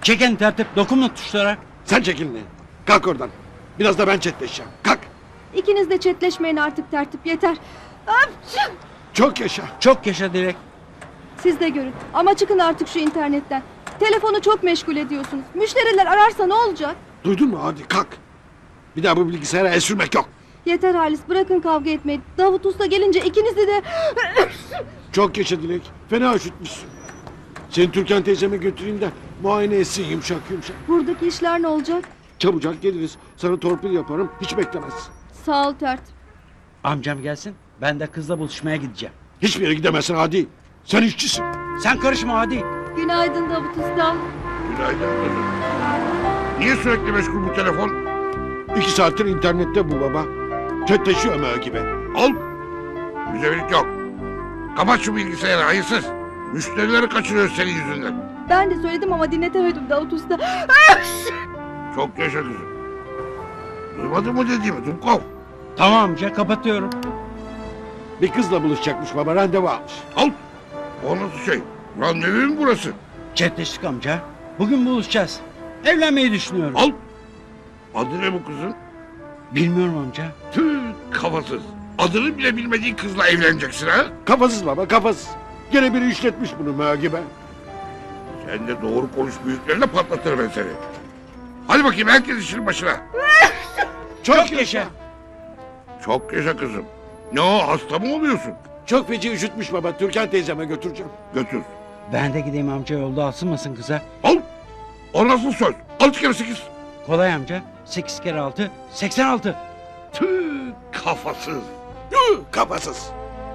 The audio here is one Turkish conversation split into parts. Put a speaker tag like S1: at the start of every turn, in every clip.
S1: Çekin tertip, dokunma tuşlara.
S2: Sen çekil ne? Kalk oradan. Biraz da ben chatleşeceğim. Kalk.
S3: İkiniz de chatleşmeyin artık tertip yeter. Apçı!
S2: Çok yaşa.
S1: Çok yaşa Dilek.
S3: Siz de görün ama çıkın artık şu internetten. Telefonu çok meşgul ediyorsunuz. Müşteriler ararsa ne olacak?
S2: Duydun mu? Hadi kalk. Bir daha bu bilgisayara el sürmek yok.
S3: Yeter Halis, bırakın kavga etmeyi. Davut Usta gelince ikinizi de...
S2: Çok yaşa Dilek. Fena üşütmüşsün. Seni Türkan teyzeme götüreyim de muayene etsin yumuşak yumuşak.
S3: Buradaki işler ne olacak?
S2: Çabucak geliriz. Sana torpil yaparım. Hiç beklemezsin.
S3: Sağ ol tertip.
S1: Amcam gelsin, ben de kızla buluşmaya gideceğim.
S2: Hiçbir yere gidemezsin Hadi. Sen işçisin.
S1: Sen karışma hadi.
S3: Günaydın Davut Usta.
S4: Günaydın kızım. Niye sürekli meşgul bu telefon?
S2: 2 saattir internette bu baba. Chatleşiyor Ömer gibi.
S4: Al. Müzevilik yok. Kapat şu bilgisayarı hayırsız. Müşterileri kaçırıyor senin yüzünden.
S3: Ben de söyledim ama dinletemedim Davut Usta.
S4: Çok yaşa kızım. Duymadın mı dediğimi Dumkov?
S1: Tamam amca, kapatıyorum.
S2: Bir kızla buluşacakmış baba. Randevu almış.
S4: Al. O nasıl şey? Randevu mu burası?
S1: Chatleştik amca. Bugün buluşacağız. Evlenmeyi düşünüyorum.
S4: Al. Adı ne bu kızın?
S1: Bilmiyorum amca.
S4: Tüh kafasız. Adını bile bilmediğin kızla evleneceksin ha?
S2: Kafasız baba kafasız. Gene biri işletmiş bunu Ömer gibi.
S4: Sen de doğru konuş büyüklerine patlatırım ben seni. Hadi bakayım herkes işin başına.
S1: Çok yaşa.
S4: Çok yaşa kızım. Ne o hasta mı oluyorsun?
S2: Çok feci üşütmüş baba. Türkan teyzeme götüreceğim.
S4: Götür.
S1: Ben de gideyim amca, yolda asılmasın kıza.
S4: Al. O nasıl söz? 6 kere 8.
S1: Kolay amca. 8 kere 6, 86.
S4: Tüh kafasız.
S2: Kafasız.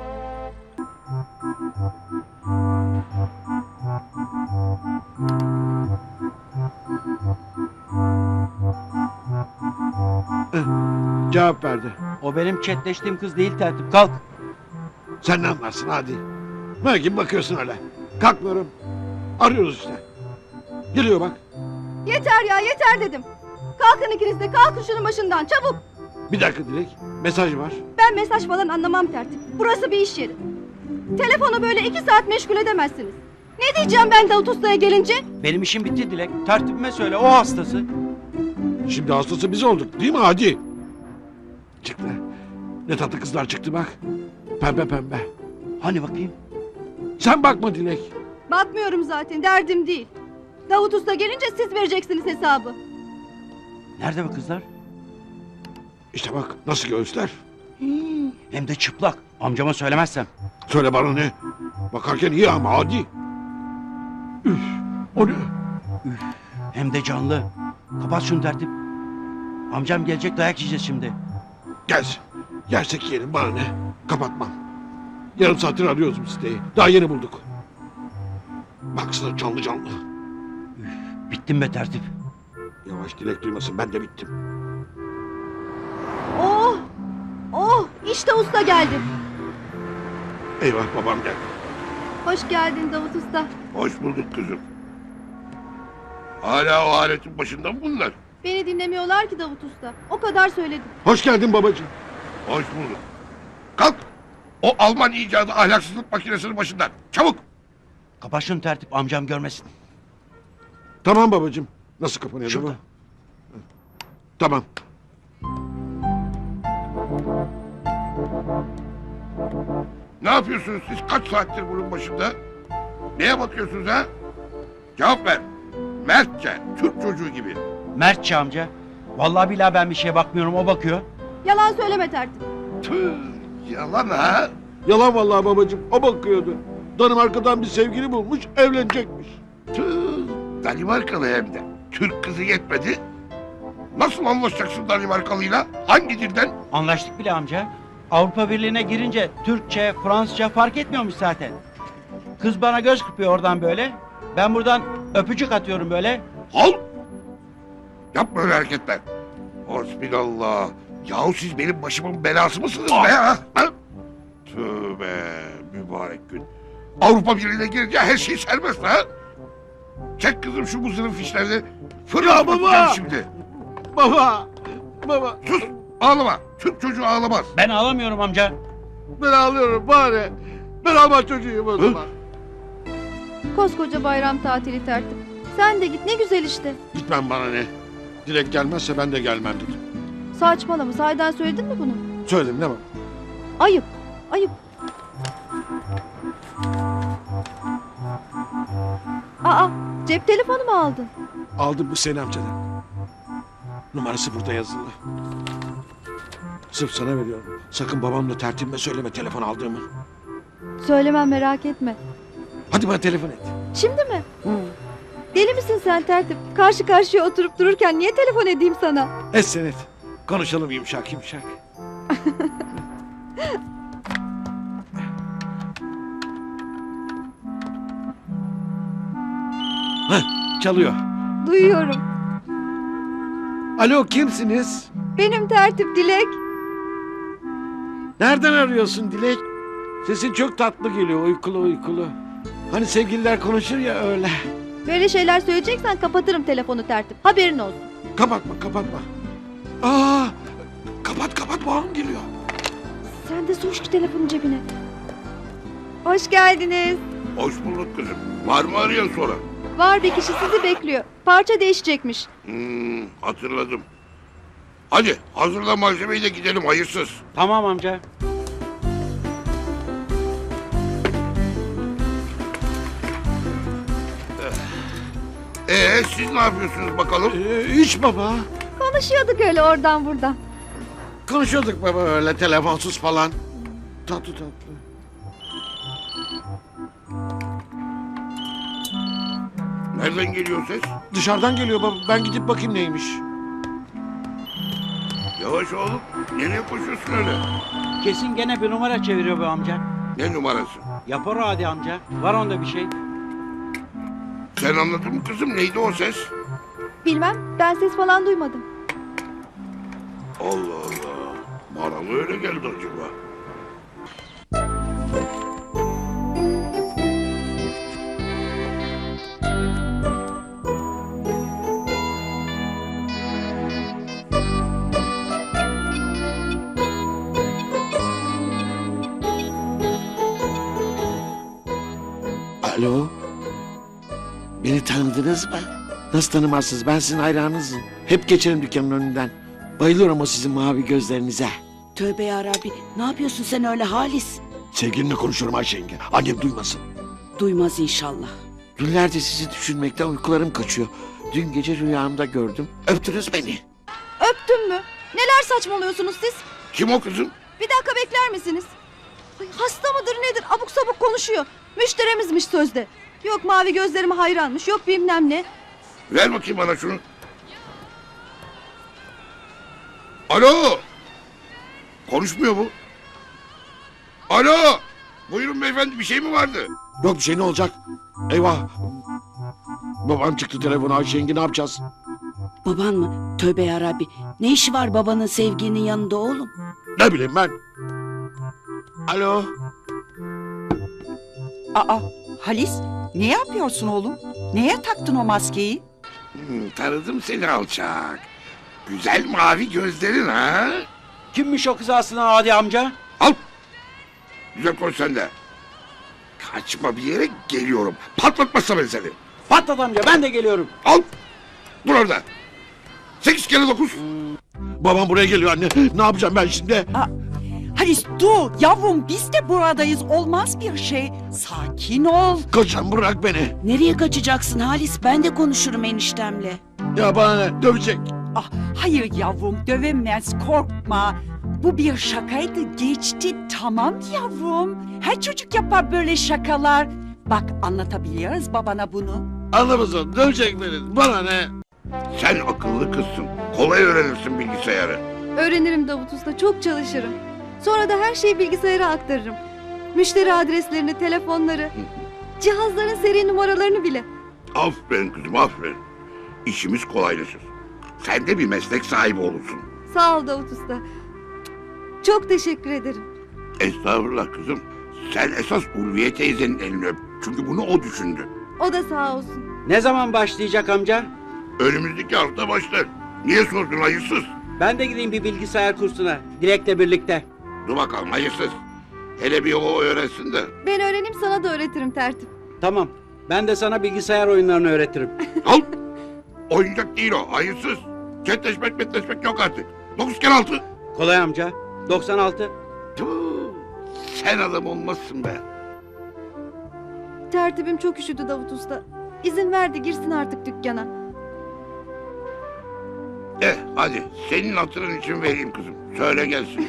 S2: Cevap verdi.
S1: O benim chatleştiğim kız değil tertip. Kalk.
S2: Sen ne anlarsın hadi. Belki bakıyorsun öyle. Kalkmıyorum. Arıyoruz işte. Geliyor bak.
S3: Yeter ya yeter dedim. Kalkın ikiniz de, kalkın şunun başından çabuk.
S2: Bir dakika Dilek. Mesaj var.
S3: Ben mesaj falan anlamam tertip. Burası bir iş yeri. Telefonu böyle 2 saat meşgul edemezsiniz. Ne diyeceğim ben Davut Usta'ya gelince?
S1: Benim işim bitti Dilek. Tertibime söyle, o hastası.
S2: Şimdi hastası biz olduk değil mi hadi? Çıktı. Ne tatlı kızlar çıktı bak. Pembe pembe.
S1: Hani bakayım?
S2: Sen bakma Dilek.
S3: Bakmıyorum zaten, derdim değil. Davut Usta gelince siz vereceksiniz hesabı.
S1: Nerede bu kızlar?
S2: İşte bak nasıl göğüsler.
S1: Hem de çıplak. Amcama söylemezsem.
S2: Söyle bana ne? Bakarken iyi ama hadi. Üf, o ne?
S1: Hem de canlı. Kapat şunu tertip. Amcam gelecek, dayak yiyeceğiz şimdi.
S2: Gelsin. Yersek yiyelim bana ne? Kapatmam. Yarım saattir arıyoruz bu siteyi. Daha yeni bulduk. Baksana canlı canlı.
S1: Bittim be tertip.
S2: Yavaş Dilek duymasın ben de bittim.
S3: Oh! Oh! İşte usta geldi.
S2: Eyvah babam geldi.
S3: Hoş geldin Davut Usta.
S4: Hoş bulduk kızım. Hala o aletin başında mı bunlar?
S3: Beni dinlemiyorlar ki Davut Usta. O kadar söyledim.
S2: Hoş geldin babacığım.
S4: Hoş bulduk. Kalk. O Alman icadı ahlaksızlık makinesinin başından. Çabuk.
S1: Kapat şunu tertip, amcam görmesin.
S2: Tamam babacığım. Nasıl kapanıyor bu?
S1: Şurada.
S2: Tamam.
S4: Ne yapıyorsunuz siz? Kaç saattir bunun başında? Neye bakıyorsunuz ha? Cevap ver. Mertçe, Türk çocuğu gibi.
S1: Mertçe amca. Vallahi billahi ben bir şeye bakmıyorum, o bakıyor.
S3: Yalan söyleme tertip.
S4: Tüh, yalan ha?
S2: Yalan vallahi babacığım. O bakıyordu. Danimarka'dan bir sevgili bulmuş, evlenecekmiş.
S4: Tüh, Danimarkalı hem de. Türk kızı yetmedi. Nasıl anlaşacaksın Danimarkalıyla? Hangi dilden?
S1: Anlaştık bile amca. Avrupa Birliği'ne girince Türkçe, Fransızca fark etmiyormuş zaten. Kız bana göz kırpıyor oradan böyle. Ben buradan öpücük atıyorum böyle.
S4: Al! Yapma öyle hareketler. Hasbinallah. Yahu siz benim başımın belası mısınız be ha? Ha? Tövbe mübarek gün. Avrupa Birliği'ne girince her şey serbest ha? Çek kızım şu muzırın fişlerini.
S2: Ya
S4: Fırlat
S2: baba!
S4: bakacağım şimdi.
S2: Baba! Baba!
S4: Sus! Ağlama. Türk çocuğu ağlamaz.
S1: Ben ağlamıyorum amca.
S2: Ben ağlıyorum bari. Ben Alman çocuğuyum o zaman.
S3: Koskoca bayram tatili tertip. Sen de git, ne güzel işte.
S2: Gitmem bana ne. Dilek gelmezse ben de gelmem dedim.
S3: Saçmalama, sahiden söyledin mi bunu?
S2: Söyledim ne var?
S3: Ayıp, ayıp. Aa, cep telefonu mu aldın?
S2: Aldım bu Hüseyin amcadan. Numarası burada yazılı. Sırf sana veriyorum. Sakın babamla tertibime söyleme telefon aldığımı.
S3: Söylemem, merak etme.
S2: Hadi bana telefon et.
S3: Şimdi mi? Deli misin sen tertip? Karşı karşıya oturup dururken niye telefon edeyim sana?
S2: Et sen et. Konuşalım yumuşak yumuşak. Heh, çalıyor.
S3: Duyuyorum.
S2: Alo kimsiniz?
S3: Benim tertip, Dilek.
S2: Nereden arıyorsun Dilek? Sesin çok tatlı geliyor uykulu uykulu. Hani sevgililer konuşur ya öyle.
S3: Böyle şeyler söyleyeceksen kapatırım telefonu tertip. Haberin olsun.
S2: Kapatma kapatma. Aa, kapat babam geliyor.
S3: Sen de sok şu telefonu cebine. Hoş geldiniz.
S4: Hoş bulduk kızım. Var mı arayan sonra?
S3: Var bir kişi sizi bekliyor. Parça değişecekmiş.
S4: Hatırladım. Hadi hazırla malzemeyi de gidelim hayırsız.
S1: Tamam amca.
S4: Siz ne yapıyorsunuz bakalım?
S2: Hiç baba.
S3: Konuşuyorduk öyle oradan buradan.
S2: Konuşuyorduk baba öyle telefonsuz falan. Tatlı tatlı.
S4: Nereden geliyor ses?
S2: Dışarıdan geliyor baba. Ben gidip bakayım neymiş.
S4: Yavaş oğlum. Nereye koşuyorsun öyle?
S1: Kesin gene bir numara çeviriyor bu amca.
S4: Ne numarası?
S1: Yapar o hadi amca. Var onda bir şey.
S4: Sen anladın mı kızım? Neydi o ses?
S3: Bilmem, ben ses falan duymadım.
S4: Allah Allah. Bana mı öyle geldi acaba?
S2: Alo. Beni tanıdınız mı? Nasıl tanımazsınız? Ben sizin hayranınızım. Hep geçerim dükkanın önünden. Bayılıyorum o sizin mavi gözlerinize.
S5: Tövbe yarabbi, ne yapıyorsun sen öyle Halis?
S2: Sevgilimle konuşuyorum Ayşe yenge. Annem duymasın.
S5: Duymaz inşallah.
S2: Günlerce sizi düşünmekten uykularım kaçıyor. Dün gece rüyamda gördüm. Öptünüz beni.
S3: Öptün mü? Neler saçmalıyorsunuz siz?
S4: Kim o kızım?
S3: Bir dakika bekler misiniz? Ay, hasta mıdır nedir? Abuk sabuk konuşuyor. Müşterimizmiş sözde. Yok mavi gözlerime hayranmış. Yok bilmem ne.
S4: Ver bakayım bana şunu. Alo. Konuşmuyor bu. Alo. Buyurun beyefendi bir şey mi vardı?
S2: Yok bir şey ne olacak? Eyvah. Babam çıktı telefona Ayşe yenge ne yapacağız?
S5: Baban mı? Tövbe yarabbi, ne işi var babanın sevginin yanında oğlum?
S2: Ne bileyim ben. Alo.
S6: Aa, Halis, ne yapıyorsun oğlum? Neye taktın o maskeyi?
S4: Tanıdım seni alçak. Güzel mavi gözlerin ha?
S1: Kimmiş o kız aslında hadi amca?
S4: Al. Güzel konuş sen de. Kaçma bir yere geliyorum. Patlatmazsa ben seni.
S1: Patlat amca ben de geliyorum.
S4: Al. Dur orada. 8 kere 9.
S2: Babam buraya geliyor anne. Ne yapacağım ben şimdi?
S6: Halis dur yavrum, biz de buradayız, olmaz bir şey. Sakin ol.
S2: Koçam bırak beni.
S5: Nereye kaçacaksın Halis? Ben de konuşurum eniştemle.
S2: Ya bana ne? Dövecek.
S6: Ah, hayır yavrum, dövemez, korkma. Bu bir şakaydı, geçti, tamam yavrum. Her çocuk yapar böyle şakalar. Bak anlatabiliyoruz babana bunu.
S2: Anlamazsın. Dövecek beni. Bana ne?
S4: Sen akıllı kızsın. Kolay öğrenirsin bilgisayarı.
S3: Öğrenirim Davut Usta. Çok çalışırım. Sonra da her şeyi bilgisayara aktarırım. Müşteri adreslerini, telefonları, cihazların seri numaralarını bile.
S4: Aferin kızım aferin. İşimiz kolaylaşır. Sen de bir meslek sahibi olursun.
S3: Sağ ol Davut Usta. Çok teşekkür ederim.
S4: Estağfurullah kızım. Sen esas Ulviye teyzenin elini öp. Çünkü bunu o düşündü.
S3: O da sağ olsun.
S1: Ne zaman başlayacak amca?
S4: Önümüzdeki hafta başlar. Niye sordun hayırsız?
S1: Ben de gideyim bir bilgisayar kursuna. Dilek'le birlikte.
S4: Dur bakalım hayırsız. Hele bir o öğrensin de.
S3: Ben öğreneyim, sana da öğretirim tertip.
S1: Tamam. Ben de sana bilgisayar oyunlarını öğretirim.
S4: Al. Oyuncak değil o. Hayırsız. Chatleşmek yok artık. 9 kere 6.
S1: Kolay amca. 96.
S4: Tüh, sen adam olmazsın be.
S3: Tertibim çok üşüdü Davut Usta. İzin verdi girsin artık dükkana.
S4: Hadi senin hatırın için vereyim kızım. Söyle gelsin.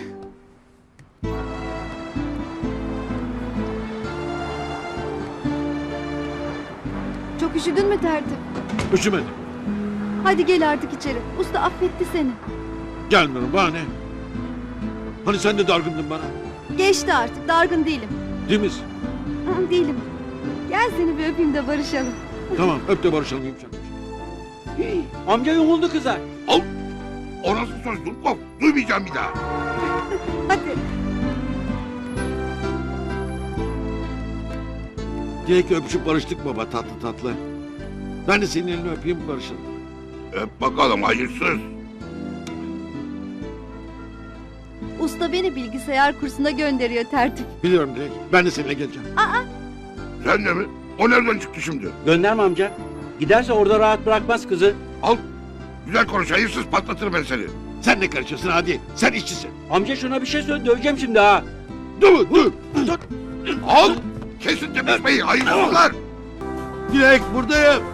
S3: Çok üşüdün mü Tertip?
S2: Üşümedim.
S3: Hadi gel artık içeri. Usta affetti seni.
S2: Gelmiyorum bana ne? Hani sen de dargındın bana.
S3: Geçti artık dargın değilim.
S2: Değil misin?
S3: Değilim. Gel seni bir öpeyim de barışalım.
S2: Tamam öp de barışalım yumuşak.
S1: Amca yumuldu kıza.
S4: Al. O nasıl söz Dumkov? Duymayacağım bir daha.
S3: Hadi.
S2: Dilek'le öpüşüp barıştık baba tatlı tatlı. Ben de senin elini öpeyim barışalım.
S4: Öp bakalım hayırsız.
S3: Usta beni bilgisayar kursuna gönderiyor Tertip.
S2: Biliyorum Dilek. Ben de seninle geleceğim.
S4: Sen de mi? O nereden çıktı şimdi?
S1: Gönderme amca. Giderse orada rahat bırakmaz kızı.
S4: Al. Güzel konuş hayırsız patlatırım ben seni.
S2: Sen ne karışıyorsun hadi. Sen işçisin.
S1: Amca şuna bir şey söyle döveceğim şimdi ha.
S2: Dur dur. Dur.
S4: Al. Kesin tepişmeyi hayırsızlar.
S2: Dilek buradayım.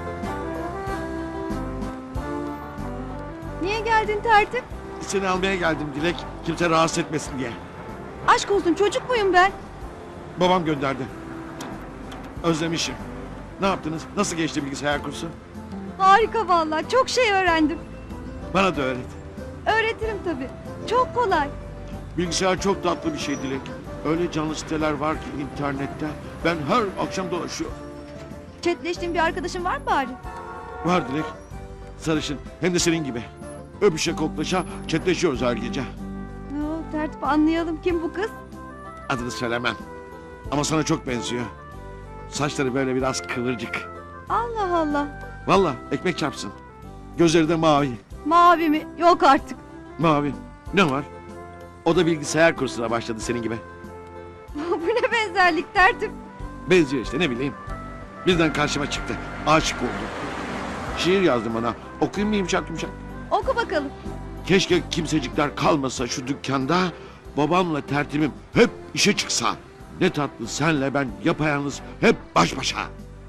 S3: Niye geldin Tertip?
S2: Seni almaya geldim Dilek. Kimse rahatsız etmesin diye.
S3: Aşk olsun çocuk muyum ben?
S2: Babam gönderdi. Özlemişim. Ne yaptınız? Nasıl geçti bilgisayar kursu?
S3: Harika vallahi çok şey öğrendim.
S2: Bana da öğret.
S3: Öğretirim tabii. Çok kolay.
S2: Bilgisayar çok tatlı bir şey Dilek. Öyle canlı siteler var ki internette. Ben her akşam dolaşıyorum.
S3: Chatleştiğin bir arkadaşın var mı bari?
S2: Var Dilek. Sarışın. Hem de senin gibi. Öpüşe koklaşa chatleşiyoruz her gece.
S3: Tertip anlayalım kim bu kız?
S2: Adını söylemem. Ama sana çok benziyor. Saçları böyle biraz kıvırcık.
S3: Allah Allah.
S2: Vallahi ekmek çarpsın. Gözleri de mavi.
S3: Mavi mi? Yok artık.
S2: Mavi. Ne var? O da bilgisayar kursuna başladı senin gibi.
S3: Bu ne benzerlik Tertip?
S2: Benziyor işte ne bileyim. Birden karşıma çıktı. Aşık oldum. Şiir yazdım ona. Okuyayım mı yumuşak yumuşak?
S3: Oku bakalım.
S2: Keşke kimsecikler kalmasa şu dükkanda. Babamla tertibim hep işe çıksa. Ne tatlı senle ben yapayalnız hep baş başa.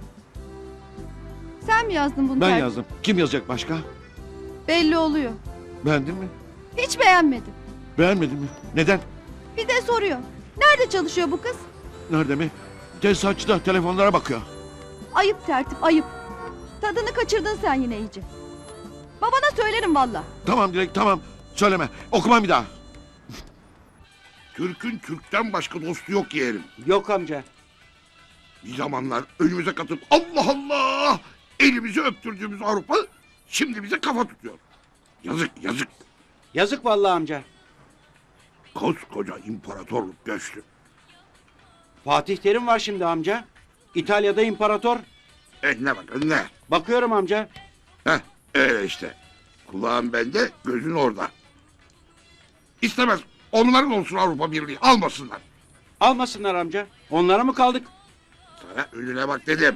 S3: Sen mi yazdın bunu
S2: Ben
S3: Tertip?
S2: yazdım. Kim yazacak başka?
S3: Belli oluyor.
S2: Beğendin mi?
S3: Hiç beğenmedim.
S2: Beğenmedin mi? Neden?
S3: Bir de soruyor. Nerede çalışıyor bu kız?
S2: Nerede mi? Tesisatçıda telefonlara bakıyor.
S3: Ayıp Tertip ayıp. Tadını kaçırdın sen yine iyice. Babana söylerim valla.
S2: Tamam Dilek tamam. Söyleme. Okumam bir daha.
S4: Türk'ün Türk'ten başka dostu yok yeğenim.
S1: Yok amca.
S4: Bir zamanlar önümüze katıp Allah Allah elimizi öptürdüğümüz Avrupa şimdi bize kafa tutuyor. Yazık yazık.
S1: Yazık vallahi amca.
S4: Koskoca imparatorluk göçtü.
S1: Fatih Terim var şimdi amca. İtalya'da imparator.
S4: Ne bak ne?
S1: Bakıyorum amca.
S4: Heh öyle işte. Kulağın bende gözün orada. İstemez. Onların olsun Avrupa Birliği. Almasınlar.
S1: Almasınlar amca. Onlara mı kaldık?
S4: Sana önüne bak dedim.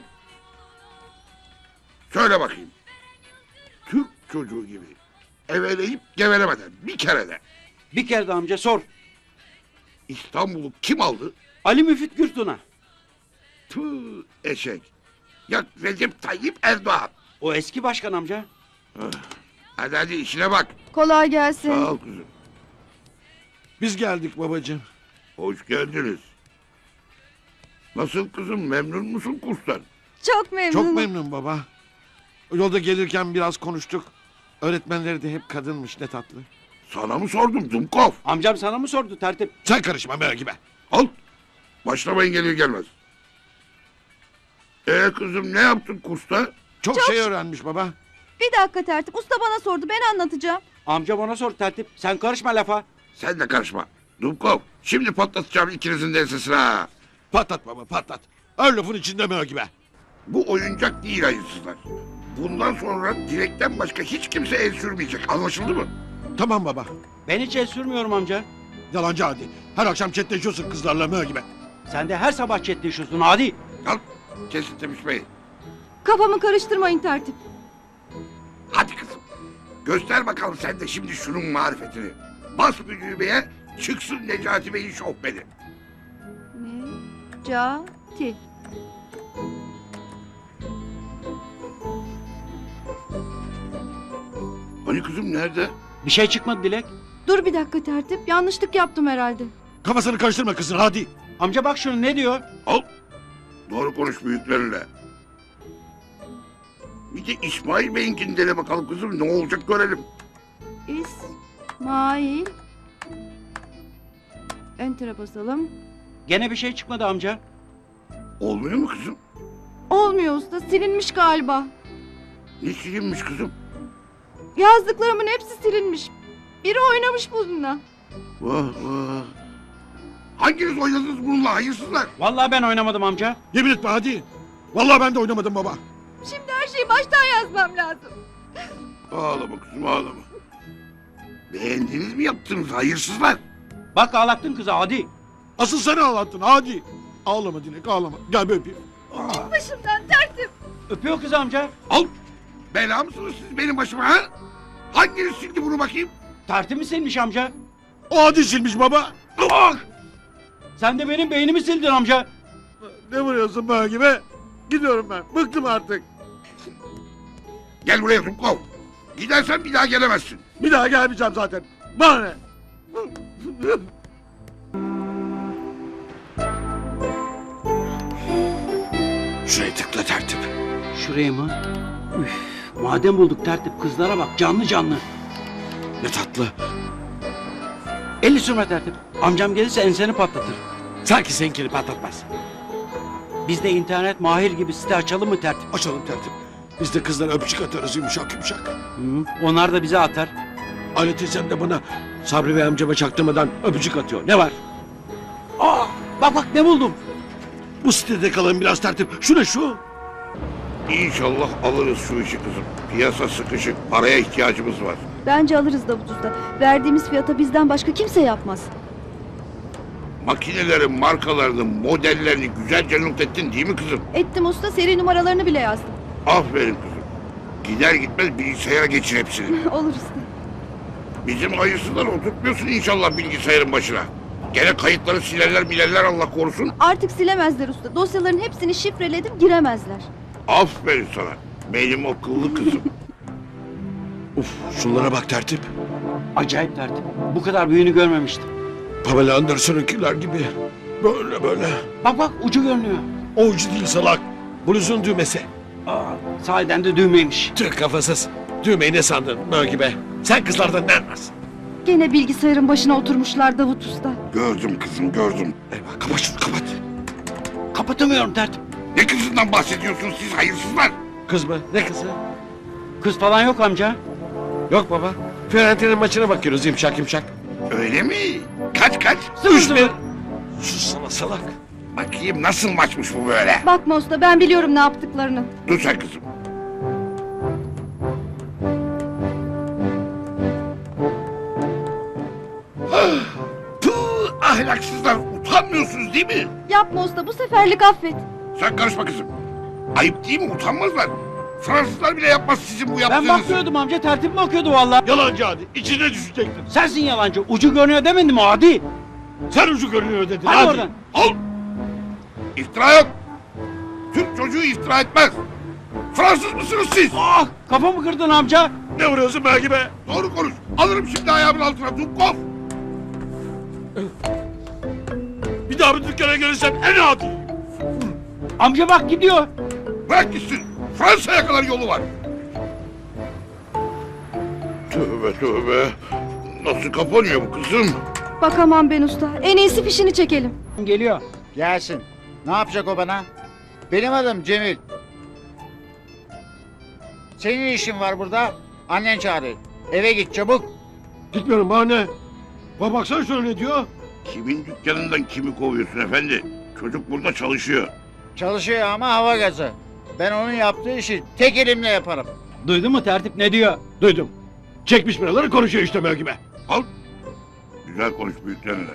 S4: Söyle bakayım. Türk çocuğu gibi eveleyip gevelemeden bir kere de
S1: Bir kere de amca sor.
S4: İstanbul'u kim aldı?
S1: Ali Müfit Gürtun'a.
S4: Tüh eşek. Ya Recep Tayyip Erdoğan.
S1: O eski başkan amca.
S4: Hadi hadi işine bak.
S3: Kolay gelsin.
S4: Sağ ol kızım.
S2: Biz geldik babacığım.
S4: Hoş geldiniz. Nasıl kızım memnun musun kurstan?
S3: Çok memnunum.
S2: Çok memnun baba. Yolda gelirken biraz konuştuk. Öğretmenleri de hep kadınmış ne tatlı.
S4: Sana mı sordum Dumkov?
S1: Amcam sana mı sordu tertip?
S2: Sen karışma merak gibi.
S4: Al. Başlamayın gelir gelmez. Kızım ne yaptın kursta?
S2: Çok şey öğrenmiş baba.
S3: Bir dakika Tertip. Usta bana sordu. Ben anlatacağım.
S1: Amcam ona sor tertip. Sen karışma lafa.
S4: Sen de karışma. Dumkov şimdi patlatacağım ikinizin de ensesine ha.
S2: Patlat baba patlat. Her lafın içinde merak gibi.
S4: Bu oyuncak değil hayırsızlar. Bundan sonra direkten başka hiç kimse el sürmeyecek. Anlaşıldı mı?
S2: Tamam baba.
S1: Ben hiç el sürmüyorum amca.
S2: Yalancı hadi. Her akşam chatleşiyorsun kızlarla merak gibi.
S1: Sen de her sabah chatleşiyorsun hadi.
S4: Al. Kesin tepişmeyi.
S3: Kafamı karıştırmayın tertip.
S4: Hadi kızım. Göster bakalım sen de şimdi şunun marifetini. Bas bir düğmeye, çıksın Necati Bey'in şofbeni.
S3: Necati.
S4: Hani kızım nerede?
S1: Bir şey çıkmadı Dilek.
S3: Dur bir dakika tertip. Yanlışlık yaptım herhalde.
S7: Kafasını karıştırma kızın hadi.
S1: Amca bak şunu ne diyor?
S4: Al. Doğru konuş büyüklerinle. Bir de İsmail Bey'inkini dene bakalım kızım. Ne olacak görelim.
S3: İsmail. Enter'a basalım.
S1: Gene bir şey çıkmadı amca.
S4: Olmuyor mu kızım?
S3: Olmuyor usta. Silinmiş galiba.
S4: Ne silinmiş kızım?
S3: Yazdıklarımın hepsi silinmiş. Biri oynamış bununla.
S4: Vah vah. Hanginiz oynadınız bununla hayırsızlar?
S1: Vallahi ben oynamadım amca.
S7: Yemin etme hadi. Vallahi ben de oynamadım baba.
S3: Şimdi her şeyi baştan yazmam lazım.
S4: Ağlama kızım ağlama. Beğendiniz mi yaptınız hayırsızlar?
S1: Bak ağlattın kızı hadi.
S7: Asıl sen ağlattın hadi. Ağlama Dilek ağlama. Gel bir öpeyim.
S3: Başımdan tertip.
S1: Öpüyor kızı amca.
S4: Al. Bela mısınız siz benim başıma ha? Hanginiz sildi bunu bakayım?
S1: Tertip mi silmiş amca?
S7: O hadi silmiş baba.
S4: Ah!
S1: Sen de benim beynimi sildin amca.
S7: Ne vuruyorsun böyle gibi? Gidiyorum ben. Bıktım artık.
S4: Gel buraya Dumkov. Gidersen bir daha gelemezsin.
S7: Bir daha gelmeyeceğim zaten. Bana ne?
S2: Şuraya tıkla tertip.
S1: Şuraya mı? Üf, madem bulduk tertip kızlara bak canlı canlı.
S2: Ne tatlı.
S1: 50 sürme tertip. Amcam gelirse enseni patlatır.
S2: Sanki seninkini patlatmaz.
S1: Biz de internet mahir gibi site açalım mı tertip?
S7: Açalım tertip. Biz de kızlara öpücük atarız yumuşak yumuşak.
S1: Hı, onlar da bize atar.
S2: Ali teyzem de bana Sabri Bey amcama çaktırmadan öpücük atıyor. Ne var?
S1: Aa, bak ne buldum.
S2: Bu sitede kalalım biraz tertip. Şu ne şu?
S4: İnşallah alırız şu işi kızım. Piyasa sıkışık. Paraya ihtiyacımız var.
S3: Bence alırız Davut Usta. Verdiğimiz fiyata bizden başka kimse yapmaz.
S4: Makinelerin markalarını, modellerini güzelce not ettin değil mi kızım?
S3: Ettim usta, seri numaralarını bile yazdım.
S4: Aferin kızım. Gider gitmez bilgisayara geçir hepsini.
S3: Olur usta.
S4: Bizim hayırsızları oturtmuyorsun inşallah bilgisayarın başına. Gene kayıtları silerler bilerler Allah korusun.
S3: Artık silemezler usta. Dosyaların hepsini şifreledim, giremezler.
S4: Aferin sana. Benim akıllı kızım.
S2: Uf şunlara bak tertip.
S1: Acayip tertip. Bu kadar büyüğünü görmemiştim.
S2: Pamela Anderson'unkiler gibi. Böyle böyle.
S1: Bak ucu görünüyor.
S2: O ucu değil salak. Bluzun düğmesi.
S1: Aa, sahiden de düğmeymiş.
S2: Tüh kafasız. Düğmeyi ne sandın böyle gibi? Sen kızlardan ne anlarsın?
S3: Gene bilgisayarın başına oturmuşlar Davut Usta.
S4: Gördüm kızım gördüm.
S2: Eyvah kapat şunu kapat.
S1: Kapatamıyorum tertip.
S4: Ne kızından bahsediyorsunuz siz hayırsızlar?
S2: Kız mı? Ne kızı?
S1: Kız falan yok amca.
S2: Yok baba. Fiorentina'nın maçına bakıyoruz yumuşak yumuşak.
S4: Öyle mi? Kaç?
S2: 3-1. Sus sana salak.
S4: Bakayım nasıl maçmış bu böyle?
S3: Bakma usta, ben biliyorum ne yaptıklarını.
S4: Dur sen kızım. Puh, ahlaksızlar utanmıyorsunuz değil mi?
S3: Yapma usta, bu seferlik affet.
S4: Sen karışma kızım. Ayıp değil mi utanmazlar. Fransızlar bile yapmaz sizin bu
S1: Ben
S4: yaptığınızı.
S1: bakmıyordum amca tertip mi okuyordu vallahi?
S7: Yalancı hadi. İçine düşecektin.
S1: Sensin yalancı. Ucu görünüyor demedim mi hadi?
S7: Sen ucu görünüyor dedin.
S1: Hadi oradan.
S4: Al. İftira yok. Türk çocuğu iftira etmez. Fransız mısınız siz?
S1: Ah kafamı kırdın amca.
S7: Ne vuruyorsun böyle gibi?
S4: Doğru konuş. Alırım şimdi ayağımın altına Dumkov.
S7: Bir daha bir dükkana gelirsem en adi.
S1: Amca bak gidiyor.
S4: Bırak gitsin. Fransa'ya kadar yolu var. Tövbe tövbe. Nasıl kapanıyor bu kızım?
S3: Bakamam ben usta. En iyisi fişini çekelim.
S1: Geliyor.
S8: Gelsin. Ne yapacak o bana? Benim adım Cemil. Senin işin var burada. Annen çağırıyor. Eve git çabuk.
S7: Gitmiyorum bana ne? Bak baksana şuna ne diyor?
S4: Kimin dükkanından kimi kovuyorsun efendi? Çocuk burada çalışıyor.
S8: Çalışıyor ama hava gazı. Ben onun yaptığı işi tek elimle yaparım.
S1: Duydun mu tertip ne diyor?
S7: Duydum. Çekmiş biraları konuşuyor işte böyle gibi.
S4: Al. Güzel konuş büyüklerine.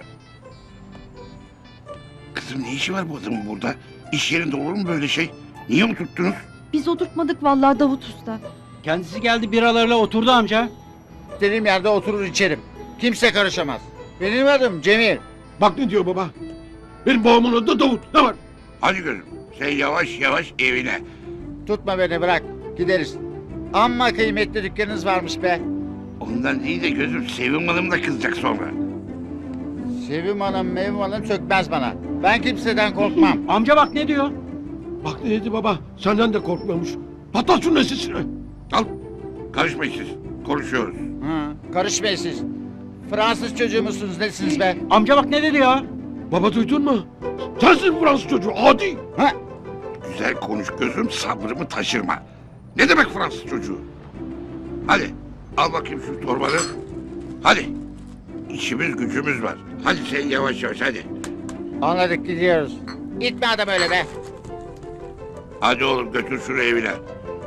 S4: Kızım ne işi var bu adamın burada? İş yerinde olur mu böyle şey? Niye oturttunuz?
S3: Biz oturtmadık vallahi Davut Usta.
S1: Kendisi geldi biralarıyla oturdu amca.
S8: İstediğim yerde oturur içerim. Kimse karışamaz. Benim adım Cemil.
S7: Bak ne diyor baba. Benim babamın adı da Davut. Ne var?
S4: Hadi gözüm sen yavaş yavaş evine.
S8: Tutma beni bırak. Gideriz. Amma kıymetli dükkanınız varmış be.
S4: Ondan değil de gözüm Sevim Hanım da kızacak sonra.
S8: Sevim Hanım sökmez bana. Ben kimseden korkmam.
S1: Amca bak ne diyor?
S7: Bak ne dedi baba. Senden de korkmuyormuş. Patlat şunun sesini.
S4: Al karışmayın siz konuşuyoruz.
S8: Karışmayın siz. Fransız çocuğu musunuz nesiniz be?
S1: Amca bak ne dedi ya?
S7: Baba duydun mu? Sensin Fransız çocuğu adi.
S8: Ha?
S4: Güzel konuş gözüm sabrımı taşırma. Ne demek Fransız çocuğu? Hadi al bakayım şu torbanı. Hadi. İşimiz gücümüz var. Hadi sen yavaş yavaş hadi.
S8: Anladık gidiyoruz. İtme adam öyle be.
S4: Hadi oğlum götür şunu evine.